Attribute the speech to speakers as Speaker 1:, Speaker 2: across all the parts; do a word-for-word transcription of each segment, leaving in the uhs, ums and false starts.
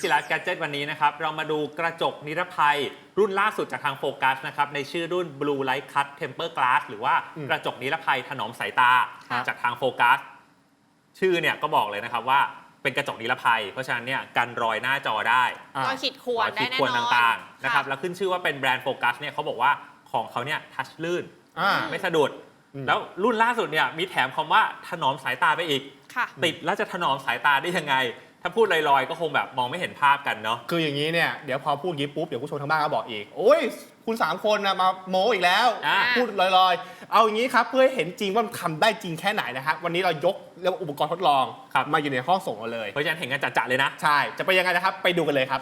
Speaker 1: Easy Life Gadget วันนี้นะครับเรามาดูกระจกนิรภัยรุ่นล่าสุดจากทางโฟกัสนะครับในชื่อรุ่น Blue Light Cut Temper Glass หรือว่ากระจกนิรภัยถนอมสายตาจากทางโฟกัสชื่อเนี่ยก็บอกเลยนะครับว่าเป็นกระจกนิรภัยเพราะฉะนั้นเนี่ยกันรอยหน้าจอได้
Speaker 2: รอยขีดข่วนได้แน่นอน
Speaker 1: ต่างๆนะครับแล้วขึ้นชื่อว่าเป็นแบรนด์โฟกัสเนี่ยเขาบอกว่าของเขาเนี่ยทัชลื่นไม่สะดุดแล้วรุ่นล่าสุดเนี่ยมีแถมคำว่าถนอมสายตาไปอีกติดแล้วจะถนอมสายตาได้ยังไงถ้าพูดลอยๆก็คงแบบมองไม่เห็นภาพกันเนาะ
Speaker 3: คืออย่างนี้เนี่ยเดี๋ยวพอพูดงี้ปุ๊บเดี๋ยวผู้ชมทางบ้านก็บอกอีกโอ้ยคุณสามคนนะมาโมอีกแล้วพูดลอยๆเอาอย่างนี้ครับเพื่อให้เห็นจริงว่ามันทำได้จริงแค่ไหนนะครับวันนี้เรายกเรียกว่าอุปกรณ์ทดลองมาอยู่ในห้องส่งเราเลย
Speaker 1: เพราะฉะนั้นเห็นกันจัดๆเลยนะ
Speaker 3: ใช่จะไปยังไงนะครับไปดูกันเลยครับ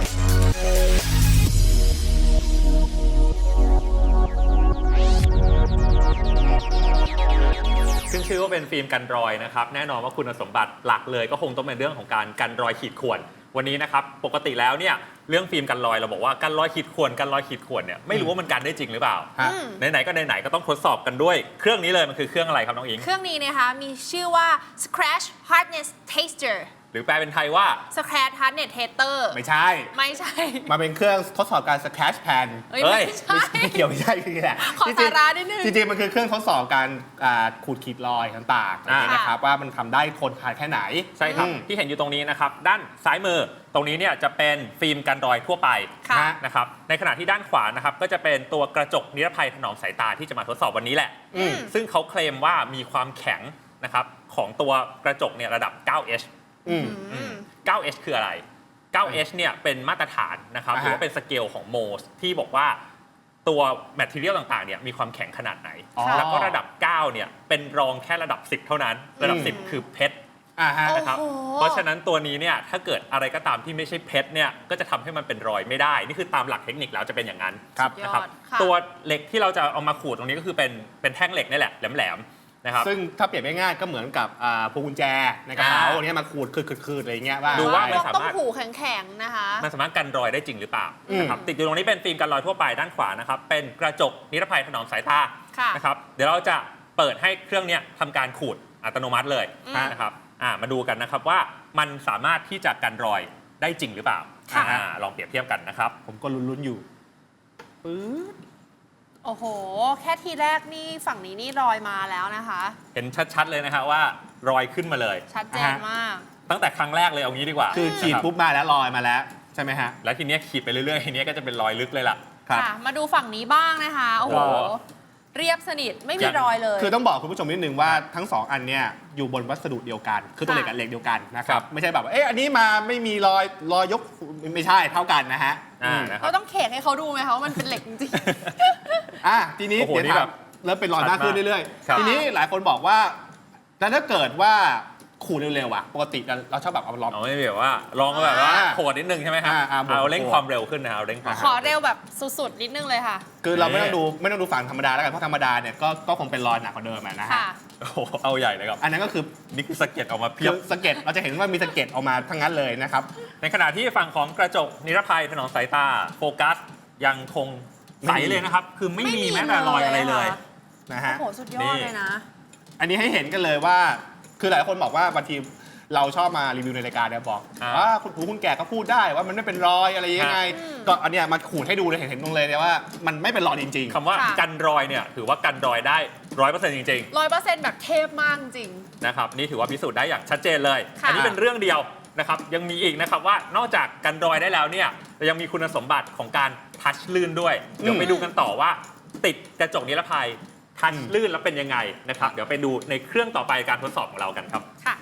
Speaker 1: ซึ่งชื่อว่าเป็นฟิล์มกันรอยนะครับแน่นอนว่าคุณสมบัติหลักเลยก็คงต้องเป็นเรื่องของการกันรอยขีดข่วนวันนี้นะครับปกติแล้วเนี่ยเรื่องฟิล์มกันรอยเราบอกว่ากันรอยขีดข่วนกันรอยขีดข่วนเนี่ยไม่รู้ว่ามันกันได้จริงหรือเปล่าไหนๆก็ไหนๆก็ต้องทดสอบกันด้วยเครื่องนี้เลยมันคือเครื่องอะไรครับน้องอิง
Speaker 2: เครื่องนี้นะคะมีชื่อว่า Scratch Hardness Tester
Speaker 1: หรือแปลเป็นไทยว่า
Speaker 2: Scratch Hardness Tester
Speaker 3: ไม่ใช่
Speaker 2: ไม่ใช่
Speaker 3: มาเป็นเครื่องทดสอบการ Scratch Pen
Speaker 2: เอ้ยไม่ใช่
Speaker 3: ไม่เกี่ยวไม่ใช่คือแหละ
Speaker 2: ขอสาระนิดนึง
Speaker 3: จริงๆมันคือเครื่องทดสอบการขูดขีดรอยต่างๆนะครับว่ามันทำได้ทนทานแค่ไหน
Speaker 1: ใช่ครับที่เห็นอยู่ตรงนี้นะครับด้านซ้ายมือตรงนี้เนี่ยจะเป็นฟิล์มกันรอยทั่วไปนะครับในขณะที่ด้านขวานะครับก็จะเป็นตัวกระจกนิรภัยถนอมสายตาที่จะมาทดสอบวันนี้แหละซึ่งเขาเคลมว่ามีความแข็งนะครับของตัวกระจกเนี่ยระดับ เก้า เอช เก้า เอช คืออะไร เก้า เอช เนี่ยเป็นมาตรฐานนะครับหรือว่าเป็นสเกลของโมสที่บอกว่าตัวแมททีเรียลต่างๆเนี่ยมีความแข็งขนาดไหนแล้วก็ระดับเก้าเนี่ยเป็นรองแค่ระดับสิบเท่านั้นระดับสิบคือเพชรนะครับเพราะฉะนั้นตัวนี้เนี่ยถ้าเกิดอะไรก็ตามที่ไม่ใช่เพชรเนี่ยก็จะทำให้มันเป็นรอยไม่ได้นี่คือตามหลักเทคนิคแล้วจะเป็นอย่างนั้นนะครับตัวเหล็กที่เราจะเอามาขูดตรงนี้ก็คือเป็นเป็นแท่งเหล็กนี่แหละแหลมๆ
Speaker 3: ซึ่งถ้าเปรียบง่ายๆก็เหมือนกับพวงกุญแจในกระเป๋าเนี้ยมาขูดคืดๆอะไรเงี้ยว่า
Speaker 1: ดูว่ามันสา
Speaker 2: มารถต้องหูแข็งๆนะคะ
Speaker 1: มันสามารถกันรอยได้จริงหรือเปล่านะครับติดอยู่ตรงนี้เป็นฟิล์มกันรอยทั่วไปด้านขวานะครับเป็นกระจกนิรภัยถนอมสายตานะครับเดี๋ยวเราจะเปิดให้เครื่องเนี้ยทำการขูดอัตโนมัติเลยนะครับมาดูกันนะครับว่ามันสามารถที่จะกันรอยได้จริงหรือเปล่าลองเปรียบเทียบกันนะครับ
Speaker 3: ผมก็ลุ้นๆอยู่
Speaker 2: ปื๊ดโอ้โหแค่ทีแรกนี่ฝั่งนี้นี่รอยมาแล้วนะคะ
Speaker 1: เห็นชัดๆเลยนะครับว่ารอยขึ้นมาเลย
Speaker 2: ชัดเจนมาก
Speaker 1: ตั้งแต่ครั้งแรกเลยเอางี้ดีกว่า
Speaker 3: คือขีดปุ๊บมาแล้วรอยมาแล้วใช่ไหมฮะ
Speaker 1: แล้วทีนี้ขีดไปเรื่อยๆทีนี้ก็จะเป็นรอยลึกเลยล่ะ
Speaker 2: ค่ะมาดูฝั่งนี้บ้างนะคะโอ้โหเรียบสนิทไม่มีรอยเลย
Speaker 3: คือต้องบอกคุณผู้ชมนิดนึงว่าทั้งสองอันเนี่ยอยู่บนวัสดุเดียวกันคือตัวเหล็กกับเหล็กเดียวกันนะครับไม่ใช่แบบเอ๊ะอันนี้มาไม่มีรอยรอยยกไม่ใช่เท่ากันนะฮะ
Speaker 2: เราต้องเขกให้เขาดูไหมคะว่ามันเป็นเหล็กจริง
Speaker 3: ๆอ่ะทีนี้เดี๋ยวแบบเริ่มเป็นรอยมากขึ้นเรื่อยๆทีนี้หลายคนบอกว่าแล้วถ้าเกิดว่าขูดเร็วๆอ่ะปกติเราชอบแบบเอาลอง
Speaker 1: ไม่แบบว่าลองแบบว่าโขดนิดนึงใช่ไหมครับเอาเร่งความเร็วขึ้นนะเอาเร่งความ
Speaker 2: ขอเร็วแบบสุดๆนิดนึงเลยค่ะ
Speaker 3: คือเราไม่ต้องดูไม่ต้องดูฝั่งธรรมดาแล้วกันเพราะธรรมดาเนี่ยก็ก็คงเป็นรอยหนักกว่าเดิมนะฮะ
Speaker 1: โอ้โหเอาใหญ่เลยครับ
Speaker 3: อันนั้นก็คือ
Speaker 1: นี่คือสเก็ตออกมาเพียบ
Speaker 3: สเก็ตเราจะเห็นว่ามีสเก็ตออกมาทั้งนั้นเลยนะครับ
Speaker 1: ในขณะที่ฝั่งของกระจกนิรภัยถนอมสายตาโฟกัสยังคงใสเลยนะครับคือไม่มีแม้แต่รอยอะไรเลย
Speaker 3: นะฮะ
Speaker 2: โอ้โหสุดยอดเลยนะ
Speaker 3: อันนี้ให้เห็นกันเลยว่าคือหลายคนบอกว่าบางทีเราชอบมารีวิวในรายการเนี่ยบอกว่าคุณผู้คุณแก่ก็พูดได้ว่ามันไม่เป็นรอยอะไรยังไงก็อันเนี้ยมาขูดให้ดูเลยเห็นเห็นตรงเลยเนี่ยว่ามันไม่เป็นรอยจริง
Speaker 1: ๆคำว่ากันรอยเนี่ยถือว่ากันรอยได้ร้อยเปอร์เซ็นต์จริง
Speaker 2: ๆร้อยเปอร์เซ็นต์แบบเทพมากจริง
Speaker 1: นะครับนี่ถือว่าพิสูจน์ได้อย่างชัดเจนเลยอันนี้เป็นเรื่องเดียวนะครับยังมีอีกนะครับว่านอกจากกันรอยได้แล้วเนี่ยยังมีคุณสมบัติของการทัชลื่นด้วยเดี๋ยวไปดูกันต่อว่าติดกระจกนิรภัยทัชลื่นแล้วเป็นยังไงนะครับเดี๋ยวไปดูในเครื่องต่อไปการทดสอบของเรากันครับ
Speaker 2: ค่ะ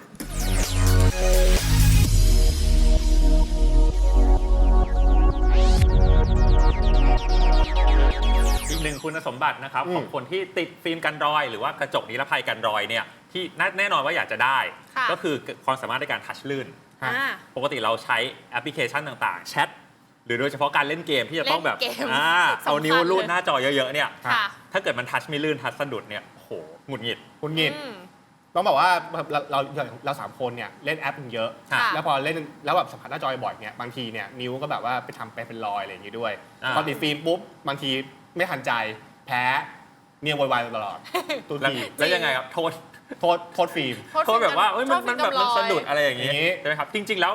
Speaker 1: อีกหนึ่งคุณสมบัตินะครับของคนที่ติดฟิล์มกันรอยหรือว่ากระจกนิรภัยกันรอยเนี่ยที่แน่นอนว่าอยากจะได้ก็คือความสามารถในการทัชลื่นปกติเราใช้แอปพลิเคชันต่างๆแชทหรือโดยเฉพาะการเล่นเกมที่จะต้องแบบเอานิ้วลูดหน้าจอเยอะๆเนี่ยถ้าเกิดมันทัชไม่ลื่นทัชสะดุดเนี่ยโหหงุดหงิด
Speaker 3: หงุดหงิดต้องบอกว่าเราเราเราสามคนเนี่ยเล่นแอปเยอะแล้วพอเล่นแล้วแบบสัมผัสหน้าจอบ่อยเนี่ยบางทีเนี่ยนิ้วก็แบบว่าไปทำไปเป็นรอยอะไรอย่างงี้ด้วยพอติดฟิล์มปุ๊บบางทีไม่ทันใจแพ้เนี่ยวายๆตลอด
Speaker 1: ตัวทีแล้วยังไงครับโทษ
Speaker 3: โทษโทษฟิล์ม
Speaker 1: โทษแบบว่าเอ้ยมันมันแบบมันสะดุดอะไรอย่างงี้ใช่ไหมครับจริงๆแล้วต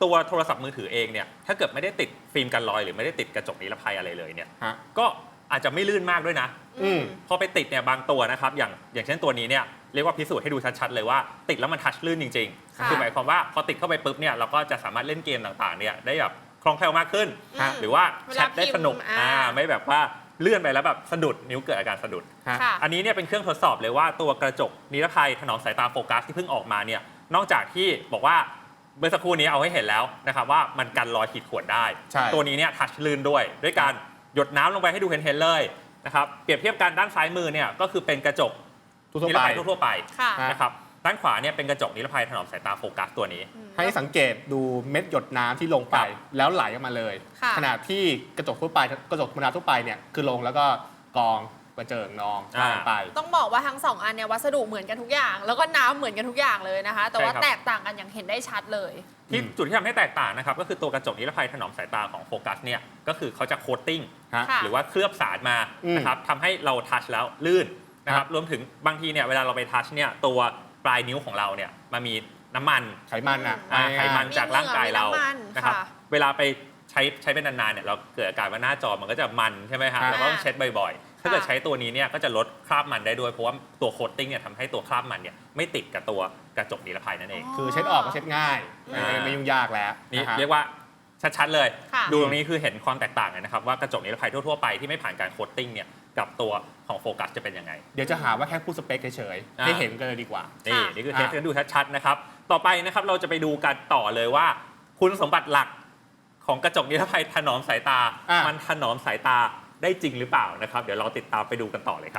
Speaker 1: ตัวโทรศัพท์มือถือเองเนี่ยถ้าเกิดไม่ได้ติดฟิล์มกันรอยหรือไม่ได้ติดกระจกนิรภัยอะไรเลยเนี่ย
Speaker 3: ฮะ
Speaker 1: ก็อาจจะไม่ลื่นมากด้วยนะ
Speaker 3: อืม
Speaker 1: พอไปติดเนี่ยบางตัวนะครับอย่างอย่างเช่นตัวนี้เนี่ยเรียกว่าพิสูจน์ให้ดูชัดๆเลยว่าติดแล้วมันทัชลื่นจริง
Speaker 2: ค่ะ
Speaker 1: ๆคือหมายความว่าพอติดเข้าไปปุ๊บเนี่ยเราก็จะสามารถเล่นเกมต่างๆเนี่ยได้แบบคล่องแคล่วมากขึ้น
Speaker 2: อืม
Speaker 1: หรือว่า
Speaker 2: เว
Speaker 1: แช
Speaker 2: ลา
Speaker 1: ทได้สนุก
Speaker 2: พิมพ์อ่า
Speaker 1: อ่าไม่แบบว่าเลื่อนไปแล้วแบบสะดุดนิ้วเกิดอาการสะดุด
Speaker 3: ฮะ
Speaker 2: ค่ะ
Speaker 1: อันนี้เนี่ยเป็นเครื่องทดสอบเลยว่าตัวกระจกนิรภัยถนอมสายตาโฟกัสที่เพิ่งออกมาเนี่ยนอกจากที่บอกว่าเมื่อสักครู่นี้เอาให้เห็นแล้วนะครับว่ามันกันรอยขีดข่วนได้
Speaker 3: ใช่
Speaker 1: ตัวนี้เนี่ยทัชลื่นด้วย ด้วยการหยดน้ำลงไปให้ดูเห็นๆเลยนะครับเปรียบเทียบกันด้านซ้ายมือเนี่ยก็คือเป็นกระจก
Speaker 3: ทั่ว
Speaker 1: นิ
Speaker 3: ๆ
Speaker 1: ร
Speaker 3: ไป
Speaker 1: ภัยทั่วๆไป
Speaker 2: ค่ะ
Speaker 3: ฮะ
Speaker 1: นะครับด้านขวาเนี่ยเป็นกระจกนิรภัยถนอมสายตาโฟกัสตัวนี้
Speaker 3: ให้สังเกตดูเม็ดหยดน้ำที่ลงไป
Speaker 1: ครับ
Speaker 3: แล้วไหลออกมาเลย
Speaker 2: ค่ะ
Speaker 3: ขณะที่กระจกทั่วไปกระจกธรรมดาทั่วไปเนี่ยคือลงแล้วก็กองกระเจิงนอง
Speaker 1: อ่า
Speaker 3: ไป
Speaker 2: ต้องบอกว่าทั้งสองอันเนี่ยวัสดุเหมือนกันทุกอย่าง แล้วก็น้ำเหมือนกันทุกอย่างเลยนะคะ แต่ว่า
Speaker 1: ใช่ครับ
Speaker 2: แตกต่างกันอย่างเห็นได้ชัดเลย
Speaker 1: ที่
Speaker 3: อืม
Speaker 1: จุดที่ทำให้แตกต่างนะครับก็คือตัวกระจกนิรภัยถนอมสายตาของโฟกัสเนี่ยก็คือเขาจะโคตติ้ง
Speaker 3: ฮะ
Speaker 2: ค่ะ
Speaker 1: หรือว่าเคลือบสารมา
Speaker 3: อืม
Speaker 1: นะครับทำให้เราทัชแล้วลื่นนะค
Speaker 3: ครั
Speaker 1: รับบ รวมถึงบางทีเนี่ยเวลาเราไปทัชเนี่ยตัวปลายนิ้วของเราเนี่ยมันมีน้ำมัน
Speaker 3: ไขมันอ่ะ
Speaker 1: อ่าไขมัน
Speaker 2: มี
Speaker 1: จากร่างกายเรา
Speaker 2: เหงื่อมีน้ำมัน
Speaker 1: นะครับ
Speaker 2: ค่ะ
Speaker 1: เวลาไปใช้ใช้เป็นนานๆเนี่ยเราเกิดอาการว่าหน้าจอมันก็จะมันใช่ไหมครับ
Speaker 3: ค่ะ
Speaker 1: เราก็ต้องเช็ดบ่อยๆ ถ้าเกิดใช้ตัวนี้เนี่ยก็จะลดคราบมันได้ด้วยเพราะว่าตัวโคตติ้งเนี่ยทำให้ตัวคราบมันเนี่ยไม่ติดกับตัวกระจกนิรภัยนั่นเอง
Speaker 3: คือเช็ดออกก็เช็ดง่าย
Speaker 1: อ่า
Speaker 3: ไม่ไม่ยุ่งยากแล้ว
Speaker 1: นี่
Speaker 3: ะครับ
Speaker 1: เรียกว่าชัดๆเลย
Speaker 2: ค่ะ
Speaker 1: ดูตรงนี้คือเห็นความแตกต่างเลยนะครับว่ากระจกนิรภัยทั่วๆไปที่ไม่ผ่านการโคตติ้งเนี่ยกับตัวของโฟกัสจะเป็นยังไง
Speaker 3: เดี๋ยวจะหาว่าแค่พูดสเปคเฉยๆ
Speaker 1: อ่า
Speaker 3: ให้เห็นกันเลยดีกว่า
Speaker 1: นี่
Speaker 2: ค่ะ
Speaker 1: นี่คือเทส
Speaker 3: อ่ะ
Speaker 1: กันดูชัดๆนะครับ ต่อไปนะครับเราจะไปดูกันต่อเลยว่า คุณสมบัติหลักของกระจกนิรภัยถนอมสายตา
Speaker 3: อ่ะ
Speaker 1: มันถนอมสายตาได้จริงหรือเปล่านะครับ เดี๋ยวเราติดตามไปดูกันต่อเลยครับ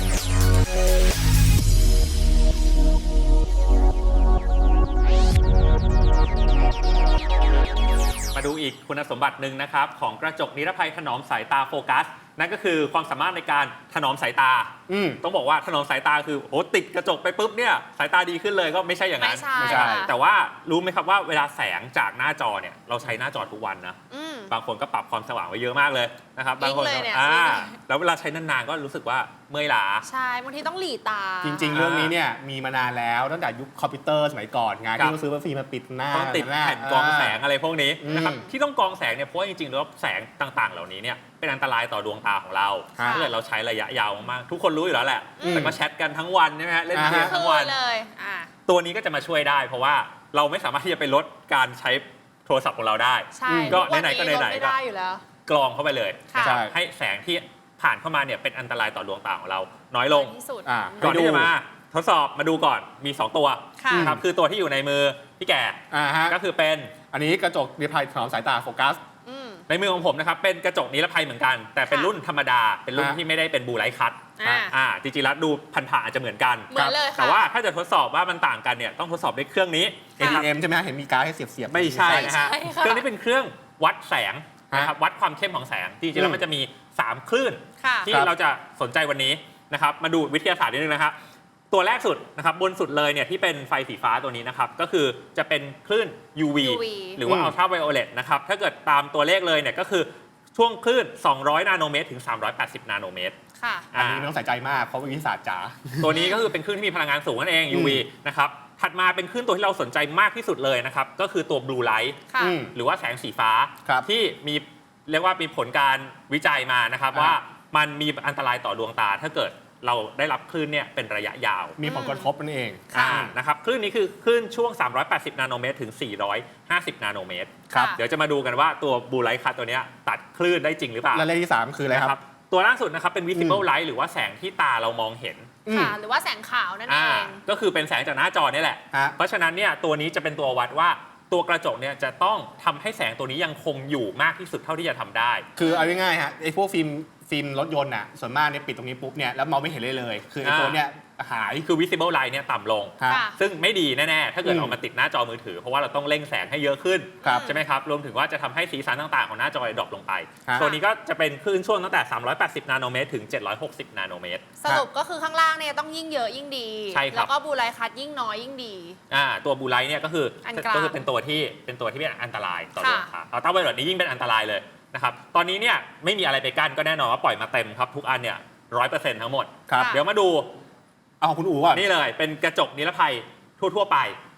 Speaker 1: มาดูอีกคุณสมบัติหนึ่งนะครับของกระจกนิรภัยถนอมสายตาโฟกัส นั่นก็คือความสามารถในการถนอมสายตา
Speaker 3: อืม
Speaker 1: ต้องบอกว่าถนอมสายตาคือโอ้ติดกระจกไปปุ๊บเนี่ยสายตาดีขึ้นเลยก็ไม่ใช่อย่างนั้น
Speaker 2: ไม่ใช่
Speaker 3: ไม่ใช่
Speaker 2: ค่ะ
Speaker 1: แต่ว่ารู้ไหมครับว่าเวลาแสงจากหน้าจอเนี่ยเราใช้หน้าจอทุกวันนะ
Speaker 2: อืม
Speaker 1: บางคนก็ปรับความสว่างไว้เยอะมากเลยนะครับบางคน
Speaker 2: จริงเลยเนี่ย
Speaker 1: อ่า
Speaker 2: จริงเลย
Speaker 1: แล้วเวลาใช้นานๆก็รู้สึกว่าเมื่อยล้า
Speaker 2: ใช่บางทีต้องหลีตา
Speaker 3: จริง ๆ เรื่องนี้เนี่ยมีมานานแล้วตั้งแต่ยุคคอมพิวเตอร์สมัยก่อนไง
Speaker 1: ครับ
Speaker 3: ที่ต้องซื้อฟิล์มมาปิดหน้า
Speaker 1: ต้องติด
Speaker 3: หน้า
Speaker 1: แผ่นกรองแสงอะไรพวกนี้
Speaker 3: อืม
Speaker 1: นะครับที่ต้องกรองแสงเนี่ยเพราะว่าจริงๆแล้วแสงต่างๆ เหล่านี้เนี่ยเป็นอันตรายต่อดวงตาของเรา
Speaker 3: ค่ะ
Speaker 1: ถ้าเกิดเราใช้ระยะยาวมากๆทุกคนรู้อยู่แล้วแหละ
Speaker 3: อืม
Speaker 1: แต่ก็แชทกันทั้งวันใช่ไหมฮะเล่นเกม
Speaker 3: อ่าฮะ
Speaker 1: ทั้งวัน
Speaker 2: คือเลยอ่า
Speaker 1: ตัวนี้ก็จะมาช่วยได้ เพราะว่าเราไม่สามารถที่จะไปลดการใช้โทรศัพท์ของเราได้
Speaker 2: ใช่
Speaker 3: อืม
Speaker 1: ก็
Speaker 2: ทุวั
Speaker 1: ไหนๆก็ไหนๆ
Speaker 2: ลดไม่ได้อยู่แล้ว
Speaker 1: กรองเข้าไปเลย
Speaker 2: ค่ะ
Speaker 1: นะครับ
Speaker 3: ใช่
Speaker 1: ให้แสงที่ผ่านเข้ามาเนี่ยเป็นอันตรายต่อดวงตาของเรา น้อยลง
Speaker 2: น้อยที่สุด
Speaker 3: อ่า
Speaker 1: ก่อน
Speaker 3: ไปดู
Speaker 1: ที่จะมาทดสอบมาดูก่อนมี สอง ตัว
Speaker 2: ค่ะ
Speaker 1: นะครับคือตัวที่อยู่ในมือพี่แก่
Speaker 3: อ่าฮะ
Speaker 1: ก็คือเป็น
Speaker 3: อันนี้กระจกนิรภัยถนอมสายตาโฟกัส
Speaker 2: อืม
Speaker 1: ในมือของผมนะครับเป็นกระจกนิรภัยเหมือนกัน แต่เป็น
Speaker 2: ค่ะ
Speaker 1: รุ่นธรรมดา เป็นรุ่น
Speaker 3: ฮะ
Speaker 1: ที่ไม่ได้เป็นบูไลท์คัท
Speaker 2: อ่า
Speaker 1: อ่าจริงๆแล้วดูผ่านๆอาจจะเหมือนกัน
Speaker 2: เหมือนเลยค่ะ
Speaker 1: แต่ว่าถ้าจะทดสอบว่ามันต่างกันเนี่ยต้องทดสอบด้วยเครื่องนี้
Speaker 3: เอ ที เอ็ม ใช่ไหมฮะเห็นมีการดให้เสียบเสียบๆ
Speaker 1: ไม่ใช่นะฮะ
Speaker 2: ไม่ใช่ค่ะ
Speaker 1: เครื่องนี้เป็นเครื่องวัดแสงนะครับวัดความเข้มของแสงจริงๆแล้วมันจะมีสามคลื่น
Speaker 2: ค่ะ
Speaker 1: ที่
Speaker 3: ครับ
Speaker 1: เราจะสนใจวันนี้นะครับมาดูวิทยาศาสตร์นิดนึงนะครับตัวแรกสุดนะครับบนสุดเลยเนี่ยที่เป็นไฟสีฟ้าตัวนี้นะครับก็คือจะเป็นคลื่น ยู วี
Speaker 2: ยู วี
Speaker 1: หรือว่า
Speaker 3: อืม
Speaker 1: อัลตราไวโอเลตนะครับถ้าเกิดตามตัวเลขเลยเนี่ยก็คือช่วงคลื่น สองร้อย นาโนเมตรถึง สามร้อยแปดสิบ นาโนเมตร
Speaker 2: ค่ะ
Speaker 3: อันนี้ไม่ต้องใส่ใจมากเพราะวิทยาศาสตร์จ๋า
Speaker 1: ตัวนี้ก็คือเป็นคลื่นที่มีพลังงานสูงนั่นเอง ยู วี นะครับถัดมาเป็นคลื่นตัวที่เราสนใจมากที่สุดเลยนะครับก็คือตัวบลูไลท์
Speaker 2: ค่ะ
Speaker 3: อืม
Speaker 1: หรือว่าแสงสีฟ้า
Speaker 3: ครับ
Speaker 1: ที่มีเรียกว่ามีผลการวิจัยมานะครับ
Speaker 3: อ่า
Speaker 1: ว่ามันมีอันตรายต่อดวงตา ถ้าเกิดเราได้รับคลื่นเนี่ยเป็นระยะยาว
Speaker 3: มีผลกระทบนั่นเอง
Speaker 2: ค่ะ
Speaker 1: อ่านะครับคลื่นนี้คือคลื่นช่วง สามร้อยแปดสิบ นาโนเมตรถึง สี่ร้อยห้าสิบ นาโนเมตร
Speaker 3: ครับ
Speaker 1: เดี๋ยวจะมาดูกันว่าตัวบลูไลท์คัทตัวเนี้ยตัดคลื่นได้จริงหรือเปล่า
Speaker 3: และเลขที่สามคืออะไรครับ
Speaker 1: นะตัวล่าสุดนะครับเป็น visible light หรือว่าแสงที่ตาเรามองเห็น
Speaker 3: อืม
Speaker 2: ค่ะ หรือว่าแสงขาวนั่นเอ
Speaker 1: อ่าง ก็คือเป็นแสงจากหน้าจอนี่แหละ
Speaker 3: ฮะ
Speaker 1: เพราะฉะนั้นเนี่ยตัวนี้จะเป็นตัววัดว่าตัวกระจกเนี่ยจะต้องทำให้แสงตัวนี้ยังคงอยู่มากที่สุดเท่าที่จะทำได้
Speaker 3: คือเอาง่ายๆฮะไอ้พวกฟิล์มฟิล์มรถยนต์น่ะส่วนมากเนี่ยปิดตรงนี้ปุ๊บเนี่ยแล้วมองไม่เห็นเลยเลย คือไอ้
Speaker 1: อ่า
Speaker 3: ตัวเนี่ยหาย
Speaker 1: คือ visible light เนี่ยต่ำลง
Speaker 3: ฮะ
Speaker 2: ค่ะ
Speaker 1: ซึ่งไม่ดีแน่ ๆ ถ้าเกิด
Speaker 3: อืม
Speaker 1: เอามาติดหน้าจอมือถือ เพราะว่าเราต้องเร่งแสงให้เยอะขึ้น
Speaker 3: ครับ
Speaker 1: ใช่ไหมครับ รวมถึงว่าจะทำให้สีสันต่างๆ ของหน้าจอดรอปลงไป
Speaker 3: ฮะ
Speaker 1: ตัวนี้ก็จะเป็นคลื่นช่วงตั้งแต่ สามร้อยแปดสิบ นาโนเมตรถึง เจ็ดร้อยหกสิบ นาโนเมตร
Speaker 2: สรุปก็คือข้างล่างเนี่ยต้องยิ่งเยอะยิ่งดี
Speaker 1: ใช่ครับ
Speaker 2: แล้วก็บูไลคัทยิ่งน้อยยิ่งดี
Speaker 1: อ่าตัวบูไลท์เนี่ยก็คือ
Speaker 2: อันกลาง
Speaker 1: ก็คือเป็นตัวที่เป็นตัวที่เป็นอันตรายต่อดวง
Speaker 2: ค่ะ
Speaker 1: ตาอัลตราไวโอเลตนี้ยิ่งเป็นอันตรายเลยนะครับตอนนี้เนี่ยไม่มีอะไรไปกั้นก็แน่นอนว่าปล่อยมาเต็มครับทุกอันเนี่ยร้อยเปอร์เซ็นต์ทั้งหมด
Speaker 3: ครับ
Speaker 2: ค่ะ
Speaker 1: เดี๋ยวมาดู
Speaker 3: เอาของคุณอู๋ก่อน
Speaker 1: นี่เลยเป็นกระจกนิรภัยทั่ว ๆ ไป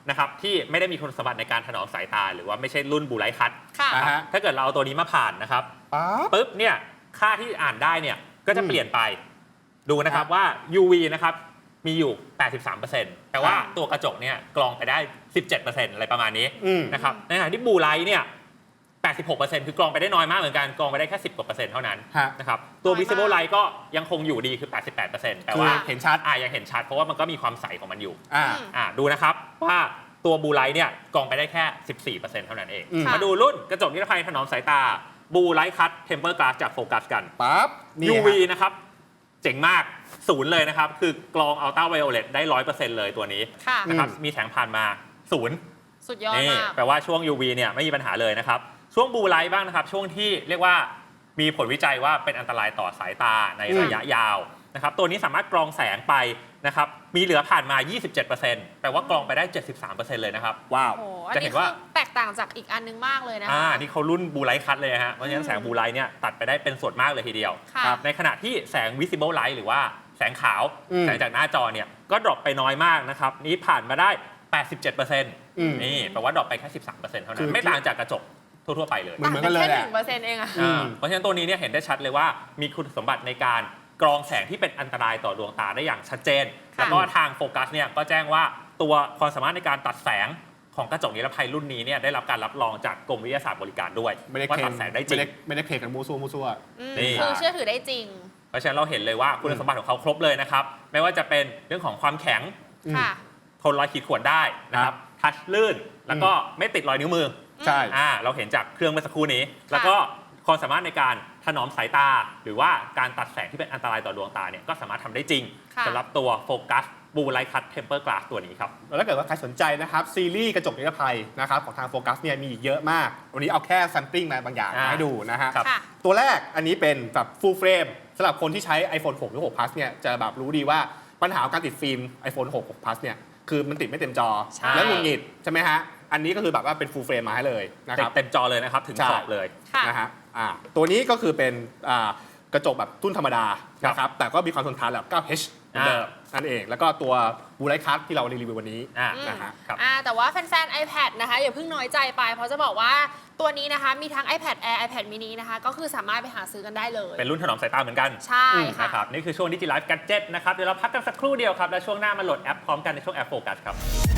Speaker 1: นะครับที่ไม่ได้มีคุณสมบัติในการถนอมสายตาหรือว่าไม่ใช่รุ่นบูไลท์คัท
Speaker 2: ค่ะ
Speaker 3: อ่าฮะ
Speaker 1: ถ้าเกิดเราเอาตัวนี้มาผ่านนะครับ
Speaker 3: ปั๊บ
Speaker 1: ปุ๊บเนี่ยค่าที่อ่านได้เนี่ยก็จะ
Speaker 3: อืม
Speaker 1: เปลี่ยนไปดูนะครับ
Speaker 3: ครับ
Speaker 1: ว่า ยู วี นะครับมีอยู่ แปดสิบสามเปอร์เซ็นต์ แต่ว่า
Speaker 2: ค่ะ
Speaker 1: ตัวกระจกเนี่ยกรองไปได้ สิบเจ็ดเปอร์เซ็นต์ อะไรประมาณนี้
Speaker 3: อืม
Speaker 1: นะครับในขณะที่บูไลท์เนี่ย แปดสิบหกเปอร์เซ็นต์ คือกรองไปได้น้อยมากเหมือนกันกรองไปได้แค่สิบกว่าเปอร์เซ็นต์เท่านั้น
Speaker 3: ฮะ
Speaker 1: นะครับตัว
Speaker 2: น้อยมาก
Speaker 1: visible light ก็ยังคงอยู่ดีคือ แปดสิบแปดเปอร์เซ็นต์ แต่
Speaker 3: คือ
Speaker 1: ว่า
Speaker 3: เห็นชัด
Speaker 1: อ่ายังเห็นชัดเพราะว่ามันก็มีความใสของมันอยู่
Speaker 3: อ่า
Speaker 2: อืม
Speaker 1: อ่าดูนะครับว่าตัวบูไลท์เนี่ยกรองไปได้แค่ สิบสี่เปอร์เซ็นต์ เท่านั้นเอง
Speaker 3: อืม
Speaker 1: มาดูรุ่นกระจกนิรภัยถนอมสายตาบูไลท์คัทเทมเปอร์กลาสจากโฟกัสกัน
Speaker 3: ปั๊บนี่
Speaker 1: ยู
Speaker 3: ฮะ
Speaker 1: วี นะครับเจ๋งมากศูนย์เลยนะครับ คือกรองอัลตราไวโอเลตได้ ร้อยเปอร์เซ็นต์ เลยตัวนี้
Speaker 2: ค่ะ
Speaker 1: นะครับ
Speaker 3: อืม
Speaker 1: มีแสงผ่านมาศูนย์
Speaker 2: สุดยอด
Speaker 1: นี่
Speaker 2: มาก
Speaker 1: แปลว่าช่วง ยู วี เนี่ยไม่มีปัญหาเลยนะครับ ช่วงบูไลท์บ้างนะครับ ช่วงที่เรียกว่ามีผลวิจัยว่าเป็นอันตรายต่อสายตาในระยะยาวนะครับตัวนี้สามารถกรองแสงไปนะครับมีเหลือผ่านมา ยี่สิบเจ็ดเปอร์เซ็นต์ แปลว่ากรองไปได้ เจ็ดสิบสามเปอร์เซ็นต์ เลยนะครับ
Speaker 3: ว้าว
Speaker 2: โอ้โหอัน
Speaker 1: จะเห็
Speaker 2: นี้
Speaker 1: น
Speaker 2: คื
Speaker 1: ว่า
Speaker 2: อแตกต่างจากอีกอันนึงมากเลยนะคะ
Speaker 1: อ่านี่เขารุ่นบูไลท์คัทเลยฮะเพราะฉะนั้นแสงบูไลท์เนี่ยตัดไปได้เป็นส่วนมากเลยทีเดียว
Speaker 2: ค่ะ
Speaker 1: ครับในขณะที่แสง visible light หรือว่าแสงขาว
Speaker 3: อืม
Speaker 1: แสงจากหน้าจอเนี่ยก็ดรอปไปน้อยมากนะครับนี้ผ่านมาได้ แปดสิบเจ็ดเปอร์เซ็นต์
Speaker 3: อืม
Speaker 1: นี่แปลว่าดรอปไปแค่ สิบสามเปอร์เซ็นต์ เท่านั้
Speaker 3: คื
Speaker 1: น
Speaker 3: อ
Speaker 1: ไม่ต่างจากกระจกทั่วๆไปเลย
Speaker 3: เหมือนเหมือนกันเลย
Speaker 2: แค่
Speaker 3: แห
Speaker 2: ห
Speaker 3: ละ
Speaker 2: นึ่งเปอร์เซ็นต์เองอะ
Speaker 3: อืม
Speaker 1: อ่าเพราะฉะนั้นตัวนี้เนี่ยเห็นได้ชัดเลยว่ามีคุณสมบัติในการกรองแสงที่เป็นอันตรายต่อดวงตาได้อย่างชัดเจน
Speaker 2: ค่ะ
Speaker 1: แล้วก็ทางโฟกัสเนี่ยก็แจ้งว่าตัวความสามารถในการตัดแสงของกระจกนิรภัยรุ่นนี้เนี่ยได้รับการรับรองจากกรมวิทยาศาสตร์บริการด้วย
Speaker 3: ไม่ได้
Speaker 1: ว่า
Speaker 3: เคล
Speaker 1: ตั
Speaker 3: ม
Speaker 1: ดแสงได้จริ
Speaker 3: ไม่
Speaker 1: ง
Speaker 3: ได้ไม่ได้เคลมกันมูซัวมูซัว
Speaker 2: อืม
Speaker 1: นี่
Speaker 2: คือเชื่อถือได้จริง
Speaker 1: เพราะฉะนั้นเราเห็นเลยว่าคุณสมบัติของเขาครบเลยนะครับ ไม่ว่าจะเป็นเรื่องของความแข็ง
Speaker 3: อืม
Speaker 2: ค่ะ
Speaker 1: ทนรอยขีดข่วนได้นะครับทัชลื่น แล้วก็ไม่ติดรอยนิ้วมือ
Speaker 3: ใช่
Speaker 1: อ่าเราเห็นจากเครื่องเมื่อสักครู่นี้ แล้วก็ความสามารถในการถนอมสายตา หรือว่าการตัดแสงที่เป็นอันตรายต่อดวงตาเนี่ยก็สามารถทำได้จริง
Speaker 2: ค่ะ
Speaker 1: สำหรับตัวโฟกัสบูไลท์คัทเทมเปอร์กลาสตัวนี้ครับ
Speaker 3: แล้วถ้าเกิดว่าใครสนใจนะครับซีรีส์กระจกนิรภัยนะครับของทางโฟกัสเนี่ยมีอีกเยอะมาก วันนี้เอาแค่แซมปลิ้งมาบางอย่าง
Speaker 1: อ่า
Speaker 3: ให้ดูนะฮะ
Speaker 1: ครับ
Speaker 2: ค่ะ
Speaker 3: ตัวแรกอันนี้เป็นแบบ full frame สำหรับคนที่ใช้ iPhone หกหรือหก plus เนี่ยจะแบบรู้ดีว่าปัญหาของการติดฟิล์ม iPhone หก หก plus เนี่ยคือมันติดไม่เต็มจอ
Speaker 2: ใช่
Speaker 3: แล้วหงุดหงิดใช่ไหมฮะ อันนี้ก็คือแบบว่าเป็น full frame มาให้เลยนะค
Speaker 1: เต็
Speaker 3: รั
Speaker 1: ม
Speaker 3: บ
Speaker 1: เต็มจอเลยนะครับ ถึง
Speaker 3: ใช่
Speaker 1: ขอบเลย
Speaker 2: ค่ะ
Speaker 3: นะฮะอ่าตัวนี้ก็คือเป็นอ่ากระจกแบบตุ้นธรรมดา
Speaker 1: ครับ
Speaker 3: นะครับแต่ก็มีความทนทานแบบ เก้า เอช เหมือนเดิมนั่นเอง แล้วก็ตัวบูไลท์คัทที่เรารีวิววันนี้
Speaker 1: อ่า
Speaker 2: อืม
Speaker 3: นะฮะ
Speaker 1: ครับ
Speaker 2: อ่าแต่ว่าแฟนๆ iPad นะคะอย่าเพิ่งน้อยใจไป เพราะจะบอกว่าตัวนี้นะคะมีทั้ง iPad Air iPad mini นะคะก็คือสามารถไปหาซื้อกันได้เลย
Speaker 1: เป็นรุ่นถนอมสายตาเหมือนกัน
Speaker 2: ใช่ค่ะ
Speaker 1: นะครับนี่คือช่วงดิจิไลฟ์แกดเจ็ตนะครับเดี๋ยวเราพักกันสักครู่เดียวครับแล้วช่วงหน้ามาโหลดแอปพร้อมกันในช่วงแอปโฟกัสครับ